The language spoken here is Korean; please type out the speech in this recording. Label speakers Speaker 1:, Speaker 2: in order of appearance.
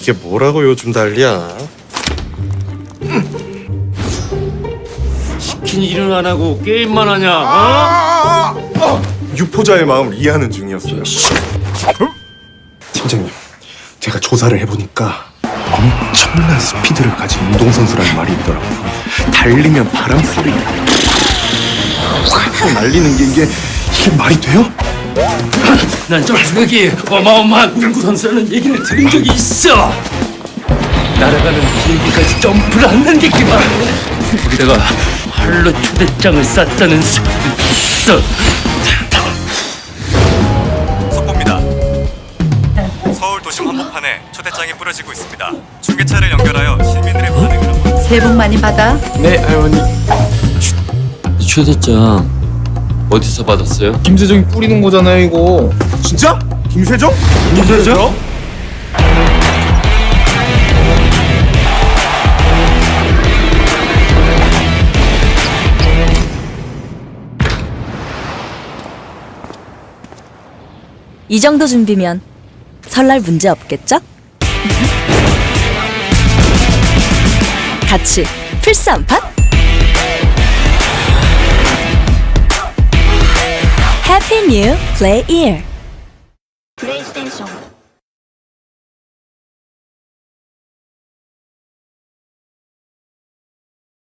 Speaker 1: 이게 뭐라고 요즘 난리야?
Speaker 2: 시킨 일은 안 하고 게임만 하냐?
Speaker 1: 유포자의 마음을 이해하는 중이었어요. 팀장님, 제가 조사를 해보니까 엄청난 스피드를 가진 운동선수라는 말이 있더라고요. 달리면 바람 소리 확 날리는 게 이게 말이 돼요?
Speaker 2: 난 저기 어마어마한 운구 선수라는 얘기를 들은 적이 있어. 날아가는 비행기까지 점프를 안 남겼기만. 거기다가 활로 초대장을 쌌다는 소리도 있어.
Speaker 3: 속보입니다. 서울 도심 한복판에 초대장이 뿌려지고 있습니다. 중계차를 연결하여 시민들의 반응을 한번.
Speaker 4: 새해 복 많이 받아.
Speaker 1: 네, 할머니.
Speaker 2: 초대장 어디서 받았어요?
Speaker 5: 김세정이 뿌리는 거잖아요, 이거.
Speaker 1: 진짜? 김세정?
Speaker 2: 김세정?
Speaker 6: 이 정도 준비면 설날 문제 없겠죠? 같이 플스 한 판? 해피 뉴 플레이 이어